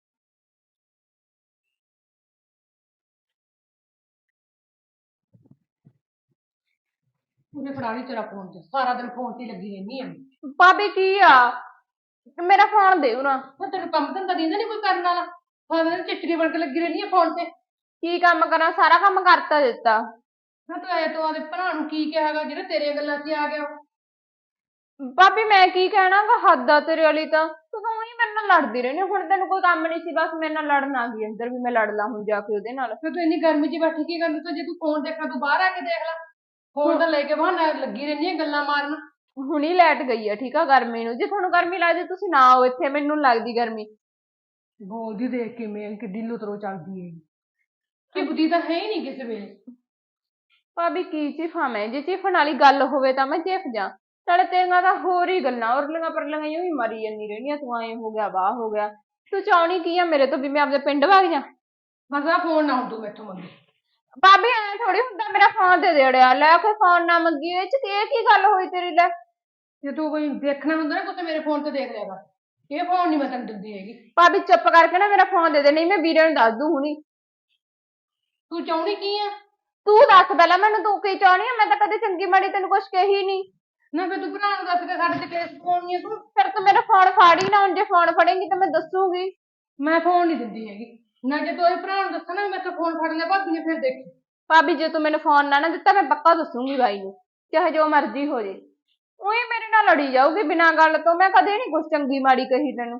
ਉਹਨੇ ਫੜਾ ਲਈ ਤੇਰਾ ਫੋਨ, ਤੇ ਸਾਰਾ ਦਿਨ ਫੋਨ ਤੇ ਲੱਗੀ ਰਹਿੰਦੀ ਆ।
ਭਾਬੀ ਕੀ ਆ, ਮੇਰਾ ਫੋਨ ਦੇ ਨਾ।
ਹੁਣ ਤੈਨੂੰ ਕੰਮ ਧੰਦਾ ਦਿੰਦਾ ਨੀ ਕੋਈ ਕਰਨ ਵਾਲਾ, ਸਾਰਾ ਦਿਨ ਚਿੱਟਰੀ ਬਣ ਕੇ ਲੱਗੀ ਰਹਿੰਦੀ ਆ ਫੋਨ ਤੇ।
ਕੀ ਕੰਮ ਕਰਾਂ, ਸਾਰਾ ਕੰਮ ਕਰਤਾ ਦਿੱਤਾ।
ਨਾ ਤੂੰ ਆਇਆ ਤੂੰ ਆਦੇ ਭਰਾ ਨੂੰ ਕੀ ਕਿਹਾਗਾ ਜਿਹੜਾ ਤੇਰੀਆਂ ਗੱਲਾਂ 'ਚ ਆ ਗਿਆ।
ਭਾਬੀ ਮੈਂ ਕੀ ਕਹਿਣਾਗਾ, ਹੱਦ ਆ ਤੇਰੇ ਵਾਲੀ ਤਾਂ। ਤੂੰ ਤਾਂ ਉਹੀ ਮੇਰੇ ਨਾਲ ਲੜਦੀ ਰਹਿੰਦੀ, ਹੁਣ ਤੈਨੂੰ ਕੋਈ ਕੰਮ ਨਹੀਂ ਸੀ, ਬਸ ਮੇਰੇ ਨਾਲ ਲੜਨ ਆ ਗਈ ਅੰਦਰ ਵੀ ਮੈਂ ਲੜ ਲਾਂ ਹੁਣ ਜਾ ਕੇ ਉਹਦੇ ਨਾਲ।
ਫਿਰ ਤੂੰ ਇੰਨੀ ਗਰਮੀ 'ਚ ਬੈਠੀ ਕੀ ਕਰਦੀ, ਤਾਂ ਜੇ ਤੂੰ ਫੋਨ ਦੇਖਣਾ ਤੂੰ ਬਾਹਰ ਆ ਕੇ ਦੇਖ ਲੈ। ਫੋਨ ਤਾਂ ਲੈ ਕੇ ਬਹਾਨਾ ਲੱਗੀ ਰਹਿੰਦੀ ਆ ਗੱਲਾਂ ਮਾਰਨ।
ਹੁਣੀ ਲਾਈਟ ਗਈ ਆ, ਠੀਕ ਆ, ਗਰਮੀ ਨੂੰ। ਜੇ ਤੁਹਾਨੂੰ ਗਰਮੀ ਲੱਗਦੀ ਤੁਸੀਂ ਨਾ ਆਓ ਇੱਥੇ, ਮੈਨੂੰ ਨੀ ਲੱਗਦੀ ਗਰਮੀ।
ਬੋਲਦੀ ਦੇਖ ਕਿਵੇਂ ਕਿੱਡੀ ਲੁਤਰੋ ਚੱਲਦੀ ਹੈ, ਚਿਪਦੀ ਤਾਂ ਹੈ ਹੀ ਨਹੀਂ ਕਿਸੇ ਵੇਲੇ।
ਭਾਬੀ ਕੀ ਚਿਫਾ ਮੈਂ, ਜੇ ਚਿਫਣ ਵਾਲੀ ਗੱਲ ਹੋਵੇ ਤਾਂ ਮੈਂ ਚਿਫ ਜਾ। ਨਾਲੇ ਤੇਰੀਆਂ ਤਾਂ ਹੋਰ ਹੀ ਗੱਲਾਂ, ਉਰਲੀਆਂ ਪਰਲੀਆਂ ਹੀ ਮਰੀ ਜਾਂਦੀ ਰਹਿੰਦੀਆਂ, ਤੂੰ ਐਂ ਹੋ ਗਿਆ ਵਾਹ ਹੋ ਗਿਆ। ਤੂੰ ਚਾਹੁੰਦੀ ਕੀ ਆ ਮੇਰੇ ਤੋਂ, ਵੀ ਮੈਂ ਆਪਦੇ ਪਿੰਡ ਵਗ ਜਾ।
ਬਸ ਆ ਫੋਨ ਨਾ ਹੁਣ ਤੂੰ ਮੈਥੋਂ ਮੰਗੀ।
ਭਾਬੀ ਐਂ ਥੋੜੀ ਹੁੰਦਾ, ਮੇਰਾ ਫੋਨ ਦੇ ਦੇੜਿਆ ਲੈ ਕੇ, ਫੋਨ ਨਾ ਮੰਗੀ। ਇਹ ਚ ਇਹ ਕੀ ਗੱਲ ਹੋਈ ਤੇਰੀ ਲੈ।
ਜੇ ਤੂੰ ਕੋਈ ਦੇਖਣਾ ਹੁੰਦਾ ਨਾ ਕੁਝ ਮੇਰੇ ਫੋਨ ਤੇ ਦੇਖ ਲਿਆ ਕਰ, ਇਹ ਫੋਨ ਨਹੀਂ ਮੈਂ ਤੈਨੂੰ ਦਿੰਦੀ ਹੈਗੀ।
ਭਾਬੀ ਚੁੱਪ ਕਰਕੇ ਨਾ ਮੇਰਾ ਫੋਨ ਦੇ ਦੇ, ਨਹੀਂ ਮੈਂ ਵੀਰੇ ਨੂੰ ਦੱਸ ਦੂੰ ਹੁਣੀ।
ਤੂੰ ਚਾਹੁੰਦੀ ਕੀ ਆ?
ਤੂੰ ਦੱਸ ਪਹਿਲਾਂ ਮੈਨੂੰ, ਤੂੰ ਕੀ ਚਾਹੁੰਦੀ ਆ? ਮੈਂ ਤਾਂ ਕਦੇ ਚੰਗੀ ਮਾੜੀ ਤੈਨੂੰ ਕੁਛ ਕਹੀ ਨਹੀਂ।
ਨਾ ਫਿਰ ਤੂੰ ਭਰਾ ਨੂੰ ਦੱਸ ਕੇ ਸਾਡੇ ਤੇ ਕੇਸ ਪਾਉਣੀ ਆ ਤੂੰ।
ਫਿਰ ਤੂੰ ਮੇਰਾ ਫੋਨ ਫਾੜ ਹੀ ਨਾ, ਹੁਣ ਜੇ ਫੋਨ ਫੜੇਂਗੀ ਤਾਂ ਮੈਂ ਦੱਸੂਗੀ।
ਮੈਂ ਫੋਨ ਨਹੀਂ ਦਿੰਦੀ ਹੈਗੀ ਨਾ, ਜੇ ਤੂੰ ਇਹ ਭਰਾ ਨੂੰ ਦੱਸਣਾ ਮੈਂ ਤਾਂ ਫੋਨ ਫੜ ਲਿਆ ਭਾਬੀ ਨੇ, ਫਿਰ ਦੇਖੀ।
ਭਾਬੀ ਜੇ ਤੂੰ ਮੈਨੂੰ ਫੋਨ ਨਾ ਦਿੱਤਾ ਮੈਂ ਪੱਕਾ ਦੱਸੂਗੀ ਬਾਈ ਨੂੰ, ਚਾਹੇ ਜੋ ਮਰਜ਼ੀ ਹੋ ਜੇ। ਉਹੀ ਮੇਰੇ ਨਾਲ ਲੜੀ ਜਾਊਗੀ ਬਿਨਾਂ ਗੱਲ ਤੋਂ, ਮੈਂ ਕਦੇ ਨਹੀਂ ਕੁਛ ਚੰਗੀ ਮਾੜੀ ਕਹੀ ਤੈਨੂੰ।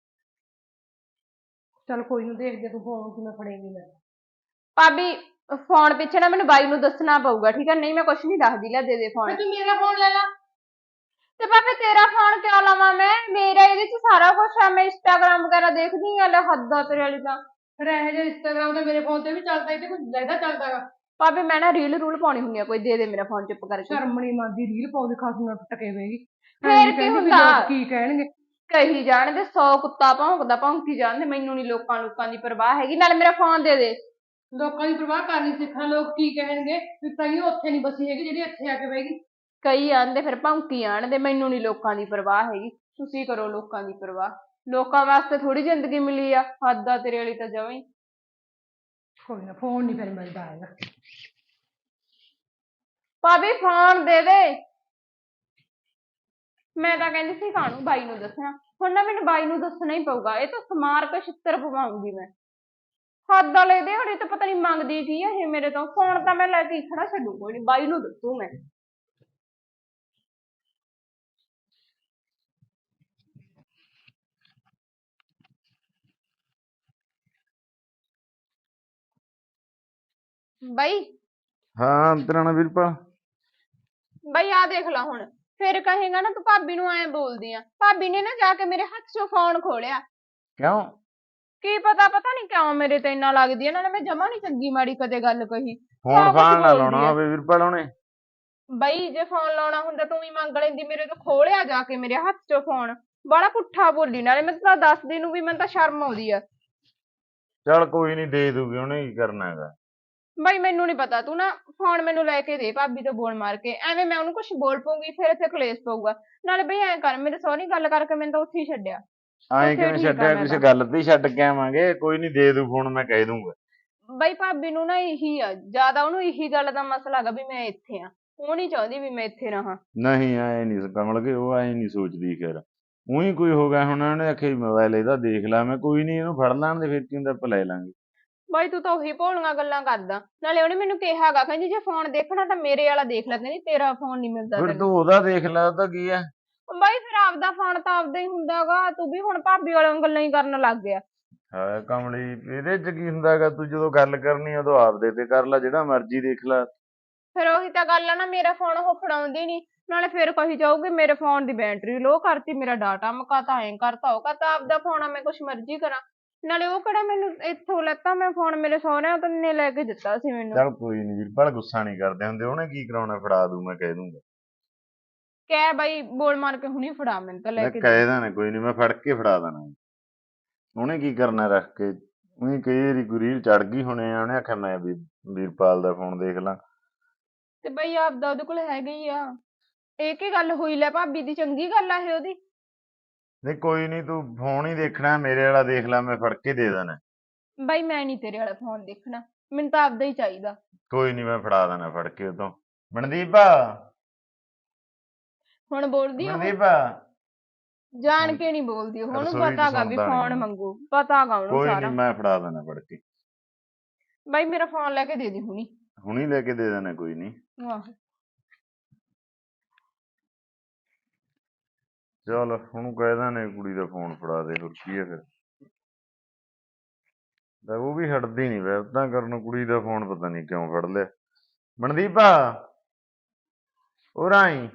ਚੱਲ ਕੋਈ ਨੂੰ ਦੇਖਦੇ ਤੂੰ ਫੋਨ ਕਿਵੇਂ ਫੜੇਂਗੀ ਮੈਂ।
ਭਾਬੀ ਫੋਨ ਪਿੱਛੇ ਨਾ ਮੈਨੂੰ ਬਾਈ ਨੂੰ ਦੱਸਣਾ ਪਊਗਾ, ਠੀਕ ਹੈ? ਨਹੀਂ ਮੈਂ ਕੁਛ ਨਹੀਂ ਦੱਸਦੀ, ਲੈ ਦੇ ਦੇ ਫੋਨ।
ਤੂੰ ਮੇਰਾ ਫੋਨ ਲੈ ਲਾ।
ਤੇ ਭਾਬੀ ਤੇਰਾ ਫੋਨ ਕਿਉਂ ਲਵਾਂ ਮੈਂ? ਮੇਰਾ ਇਹਦੇ ਚ ਸਾਰਾ ਕੁਛ ਆ, ਮੈਂ ਇੰਸਟਾਗ੍ਰਾਮ ਵਗੈਰਾ ਦੇਖਦੀ ਆ। ਲੈ ਹੱਦ ਆ ਤੇਰੇ ਵਾਲੀ ਤਾਂ।
ਫਿਰ ਇਹੋ ਜਿਹਾ ਇੰਸਟਾਗ੍ਰਾਮ ਤੇ ਮੇਰੇ ਫੋਨ ਤੇ ਵੀ ਚੱਲਦਾ, ਇਹ ਤੇ ਕੁਝ ਜ਼ਿਆਦਾ ਚੱਲਦਾਗਾ।
ਭਾਬੀ ਮੈਂ ਨਾ ਰੀਲ ਰੂਲ ਪਾਉਣੀ ਹੁੰਦੀ ਆ ਕੋਈ, ਦੇ ਦੇ ਮੇਰਾ ਫੋਨ ਚੁੱਪ ਕਰਕੇ।
ਸ਼ਰਮ ਨੀ ਮੰਨਦੀ, ਰੀਲ ਪਾਉਂਦੀ ਖਾਸ ਨੂੰ ਟਕੇ ਹੋਏਗੀ।
ਫੇਰ ਕੀ ਹੁੰਦਾ,
ਕੀ ਕਹਿਣਗੇ?
ਕਹੀ ਜਾਣਦੇ, 100 ਕੁੱਤਾ ਭੌਂਕਦਾ ਭੌਂਕੀ ਜਾਣਦੇ, ਮੈਨੂੰ ਨੀ ਲੋਕਾਂ ਦੀ ਪਰਵਾਹ ਹੈਗੀ। ਨਾਲੇ ਮੇਰਾ ਫੋਨ ਦੇ ਦੇ।
ਲੋਕਾਂ ਦੀ ਪਰਵਾਹ ਕਰਨੀ ਸਿੱਖਣਾ, ਲੋਕ ਕੀ ਕਹਿਣਗੇ ਵੀ ਤਾਂਹੀਓ ਉੱਥੇ ਨਹੀਂ ਬਸੀ ਹੈਗੀ ਜਿਹੜੀ ਇੱਥੇ ਆ ਕੇ ਬਹਿਗੀ।
ਕਈ ਆਂਦੇ ਫਿਰ ਭੌਂਕੀ ਆਣਦੇ, ਮੈਨੂੰ ਨੀ ਲੋਕਾਂ ਦੀ ਪਰਵਾਹ ਹੈਗੀ। ਤੁਸੀਂ ਕਰੋ ਲੋਕਾਂ ਦੀ ਪਰਵਾਹ, ਲੋਕਾਂ ਵਾਸਤੇ ਥੋੜੀ ਜ਼ਿੰਦਗੀ ਮਿਲੀ ਆ। ਹੱਦ ਆ ਤੇਰੇ ਵਾਲੀ ਤਾਂ ਜਮਾਂ ਹੀ।
ਕੋਈ ਨਾ, ਫੋਨ ਨਹੀਂ ਫਿਰ ਮਿਲਦਾ ਹੈਗਾ।
ਭਾਬੀ ਫੋਨ ਦੇ ਦੇ। ਮੈਂ ਤਾਂ ਕਹਿੰਦੀ ਸੀ ਕਾਹਨੂੰ ਬਾਈ ਨੂੰ ਦੱਸਣਾ, ਹੁਣ ਨਾ ਮੈਨੂੰ ਬਾਈ ਨੂੰ ਦੱਸਣਾ ਹੀ ਪਊਗਾ। ਇਹ ਤਾਂ ਸਮਾਰ ਕੇ ਛਿੱਤਰ ਪਵਾਉਂਗੀ ਮੈਂ। ਹੱਦ ਵਾਲੇ ਦੇ ਹੜੇ ਤਾਂ ਪਤਾ ਨੀ ਮੰਗਦੀ ਕੀ ਆ ਇਹ ਮੇਰੇ ਤੋਂ। ਫੋਨ ਤਾਂ ਮੈਂ ਲੈ ਕੇ ਖੜਾ ਛੱਡੂ, ਕੋਈ ਨੀ ਬਾਈ ਨੂੰ ਦੱਸੂ ਮੈਂ। ਬਾਈ
ਹਾਂ ਤੇਰਾ ਨਾ ਵੀਰਪਾਲ।
ਬਾਈ ਆ ਦੇਖ ਲਾ ਹੁਣ, ਫਿਰ ਕਹੇਗਾ ਨਾ ਤੂੰ ਭਾਬੀ ਨੂੰ ਐਂ ਬੋਲਦੀ ਆ। ਭਾਬੀ ਨੇ ਨਾ ਜਾ ਕੇ ਮੇਰੇ ਹੱਥ 'ਚੋਂ ਫੋਨ ਖੋਲਿਆ।
ਕਿਉਂ?
ਕੀ ਪਤਾ ਨਹੀਂ ਕਿਉਂ ਮੇਰੇ ਤੇ ਇੰਨਾ ਲੱਗਦੀ ਆ। ਨਾਲੇ ਮੈਂ ਜਮਾ ਨੀ ਚੰਗੀ ਮਾੜੀ ਕਦੇ ਗੱਲ ਕਹੀ।
ਫੋਨ
ਸਭ ਕੁਛ
ਫਾਨ ਨਾ
ਬੋਲਦੀ
ਲਾਉਣਾ
ਆ।
ਹੋਵੇ ਵੀਰਪਾਲ ਉਹਨੇ।
ਬਈ ਜੇ ਫੋਨ ਲਾਉਣਾ ਹੁੰਦਾ ਤੂੰ ਹੀ ਮੰਗ ਲੈਂਦੀ, ਮੇਰੇ ਤੋਂ ਖੋਲਿਆ ਜਾ ਕੇ ਮੇਰੇ ਹੱਥ 'ਚੋਂ ਫੋਨ। ਬੜਾ ਪੁੱਠਾ ਬੋਲੀ, ਨਾਲੇ ਮੈਂ ਤਾਂ ਦੱਸਦੀ ਨੂੰ ਵੀ ਮੈਨੂੰ ਤਾਂ ਸ਼ਰਮ ਆਉਂਦੀ ਆ।
ਚੱਲ ਕੋਈ ਨੀ, ਦੇ ਦੂਗੀ, ਉਹਨੇ ਕੀ ਕਰਨਾ ਹੈਗਾ।
ਬਾਈ ਮੈਨੂੰ ਨੀ ਪਤਾ, ਤੂੰ ਨਾ ਫੋਨ ਮੈਨੂੰ ਲੈ ਕੇ ਦੇ ਭਾਬੀ ਤੋਂ ਬੋਲ ਮਾਰ ਕੇ। ਐਵੇਂ ਮੈਂ ਉਹਨੂੰ ਕੁਛ ਬੋਲ ਪਊਗੀ, ਫਿਰ ਇੱਥੇ ਕਲੇਸ਼ ਪਊਗਾ। ਨਾਲੇ ਬਈ ਐਂ ਕਰ, ਮੇਰੇ ਸਹੁਰੇ ਗੱਲ ਕਰਕੇ ਮੈਨੂੰ ਤਾਂ ਉੱਥੇ ਹੀ ਛੱਡਿਆ।
ਐਂ
ਉੱਥੇ
ਕਿਵੇਂ
ਠੀਕ ਆ
ਛੱਡਿਆ?
ਮੈਂ
ਕਿਸੇ
ਤਾਂ।
ਗੱਲ ਤੇ ਹੀ ਛੱਡ ਕੇ ਆਵਾਂਗੇ। ਕੋਈ ਨੀ, ਦੇ ਦੂ ਫੋਨ, ਮੈਂ ਕਹਿ ਦੂੰਗਾ।
ਬਈ ਭਾਬੀ ਨੂੰ ਨਾ ਇਹੀ ਆ, ਜ਼ਿਆਦਾ ਉਹਨੂੰ ਇਹੀ ਗੱਲ ਦਾ ਮਸਲਾ ਹੈਗਾ ਵੀ ਮੈਂ ਇੱਥੇ ਆ। ਉਹ ਨੀ ਚਾਹੁੰਦੀ ਵੀ ਮੈਂ ਇੱਥੇ ਰਹਾਂ।
ਨਹੀਂ ਐ ਨਹੀਂ ਕਮਲ ਕੇ, ਉਹ ਐ ਨਹੀਂ ਸੋਚਦੀ। ਖੈਰ ਉਹੀ ਕੋਈ ਹੋ ਗਿਆ ਹੁਣ, ਉਹਨੇ ਆਖਿਆ ਮੋਬਾਈਲ ਇਹਦਾ ਦੇਖ ਲਾ। ਮੈਂ ਕੋਈ ਨੀ, ਇਹਨੂੰ ਫੜ ਲੈਣ ਦੇ, ਫਿਰ ਕੀ ਹੁੰਦਾ, ਆਪਾਂ ਲੈ ਲਾਂਗੇ।
ਬਾਈ ਤੂੰ ਤਾਂ ਉਹੀ ਭੋਲੀਆਂ ਗੱਲਾਂ ਕਰਦਾ। ਨਾਲੇ ਉਹਨੇ ਮੈਨੂੰ ਕਿਹਾਗਾ, ਕਹਿੰਦੀ ਜੇ ਫੋਨ ਦੇਖਣਾ ਤਾਂ ਮੇਰੇ ਵਾਲਾ ਦੇਖ ਲੈ, ਕਹਿੰਦੀ ਤੇਰਾ ਫੋਨ ਨਹੀਂ ਮਿਲਦਾ
ਫਿਰ
ਤੈਨੂੰ।
ਤੂੰ ਉਹਦਾ ਦੇਖ ਲੈ, ਉਹਦਾ ਕੀ ਆ।
ਬਾਈ ਫਿਰ ਆਪਦਾ ਫੋਨ ਤਾਂ ਆਪਦਾ ਹੀ ਹੁੰਦਾਗਾ, ਤੂੰ ਵੀ ਹੁਣ ਭਾਬੀ ਵਾਲੀਆਂ ਗੱਲਾਂ ਹੀ ਕਰਨ ਲੱਗ ਗਿਆ।
ਹਾਂ ਕਮਲੀ, ਇਹਦੇ ਚ ਕੀ ਹੁੰਦਾ ਹੈਗਾ? ਤੂੰ ਜਦੋਂ ਗੱਲ ਕਰਨੀ ਉਦੋਂ ਆਪਦੇ ਤੇ ਕਰ ਲੈ, ਜਿਹੜਾ ਮਰਜ਼ੀ ਦੇਖ ਲੈ।
ਫਿਰ ਉਹੀ ਤਾਂ ਗੱਲ ਆ ਨਾ, ਮੇਰਾ ਫੋਨ ਉਹ ਫੜਾਉਂਦੀ ਨਹੀਂ, ਨਾਲੇ ਫਿਰ ਕਹੀ ਜਾਊਗੀ ਮੇਰੇ ਫੋਨ ਦੀ ਬੈਟਰੀ ਲੋ ਕਰਤੀ, ਮੇਰਾ ਡਾਟਾ ਮੁਕਾਤਾ, ਐਂ ਕਰਤਾ ਉਹ ਕਰਤਾ। ਆਪਦਾ ਫੋਨ ਆ, ਮੈਂ ਕੁਛ ਮਰਜ਼ੀ ਕਰਾਂ। ਨਾਲੇ ਉਹ ਕਿਹੜਾ ਮੈਨੂੰ ਇੱਥੋਂ ਲੈਤਾ, ਮੈਂ ਫੋਨ ਮੇਰੇ ਸਹੁਰਿਆਂ ਤੋਂ ਨੇ ਲੈ ਕੇ ਦਿੱਤਾ ਸੀ ਮੈਨੂੰ।
ਚੱਲ ਕੋਈ ਨੀ ਵੀਰਪਾਲ, ਗੁੱਸਾ ਨੀ ਕਰਦੇ ਹੁੰਦੇ, ਉਹਨੇ ਕੀ ਕਰਾਉਣਾ, ਫੜਾ ਦੂ, ਮੈਂ ਕਹਿ ਦੂੰਗਾ।
ਕਹਿ ਬਾਈ ਬੋਲ ਮਾਰ ਕੇ ਹੁਣੀ ਫੜਾ, ਮੈਨੂੰ ਤਾਂ ਲੈ
ਮੈਂ
ਕੇ ਦੇ।
ਕਹਿ ਦੇਣਾ, ਕੋਈ ਨੀ, ਮੈਂ ਫੜ ਕੇ ਫੜਾ ਦੇਣਾ। ਉਹਨੇ ਕੀ ਕਰਨਾ ਰੱਖ ਕੇ, ਉਹੀ ਕਈ ਵਾਰੀ ਕੋਈ ਰੀਲ ਚੜ ਗਈ ਹੋਣੇ ਆ, ਉਹਨੇ ਆਖਿਆ ਮੈਂ ਵੀ ਵੀਰਪਾਲ ਦਾ ਫੋਨ ਦੇਖ ਲਾਂ।
ਤੇ ਬਈ ਆਪਦਾ ਉਹਦੇ ਕੋਲ ਹੈਗਾ ਹੀ ਆ। ਇਹ ਕੀ ਗੱਲ ਹੋਈ, ਲੈ ਭਾਬੀ ਦੀ ਚੰਗੀ ਗੱਲ ਆ ਇਹ ਉਹਦੀ।
ਨਹੀਂ ਕੋਈ ਨੀ, ਤੂੰ ਫੋਨ ਹੀ ਦੇਖਣਾ, ਮੇਰੇ ਵਾਲਾ ਦੇਖ ਲੈ, ਮੈਂ ਫੜ ਕੇ ਦੇ ਦੇਣਾ।
ਬਾਈ ਮੈਂ ਨਹੀਂ ਤੇਰੇ ਵਾਲਾ ਫੋਨ ਦੇਖਣਾ, ਮੈਨੂੰ ਤਾਂ ਆਪਦਾ ਹੀ ਚਾਹੀਦਾ।
ਕੋਈ ਨੀ, ਮੈਂ ਫੜਾ ਦੇਣਾ ਫੜ ਕੇ ਉਤੋਂ। ਮਨਦੀਪ,
ਹੁਣ ਬੋਲਦੀ ਉਹ,
ਮਨਦੀਪ,
ਜਾਣ ਕੇ ਨਹੀਂ ਬੋਲਦੀ ਉਹ, ਉਹਨੂੰ
ਰਸੋਈ ਚ
ਪਤਾ ਗਾ ਵੀ
ਸੁਣਦਾ ਨੀ
ਫੋਨ
ਮੈਨੂੰ।
ਮੰਗੂ, ਪਤਾ ਗਾ ਉਹਨੂੰ
ਕੋਈ ਨੀ,
ਸਾਰਾ।
ਮੈਂ ਫੜਾ ਦੇਣਾ ਫੜ ਕੇ।
ਬਾਈ ਮੇਰਾ ਫੋਨ ਲੈ ਕੇ ਦੇ ਦੀ ਹੁਣੀ।
ਹੁਣੀ ਲੈ ਕੇ ਦੇ ਦੇਣਾ, ਕੋਈ ਨੀ।
ਆਹੋ।
ਚੱਲ ਉਹਨੂੰ ਕਹਿ ਦੇਣੇ ਕੁੜੀ ਦਾ ਫੋਨ ਫੜਾ ਦੇ, ਹੋਰ ਕੀ ਹੈ ਫਿਰ। ਉਹ ਵੀ ਹਟਦੀ ਨੀ ਵੈਬਤਾਂ ਕਰਨ, ਕੁੜੀ ਦਾ ਫੋਨ ਪਤਾ ਨੀ ਕਿਉਂ ਫੜ ਲਿਆ। ਮਨਦੀਪ, ਉਹ ਰਾਈ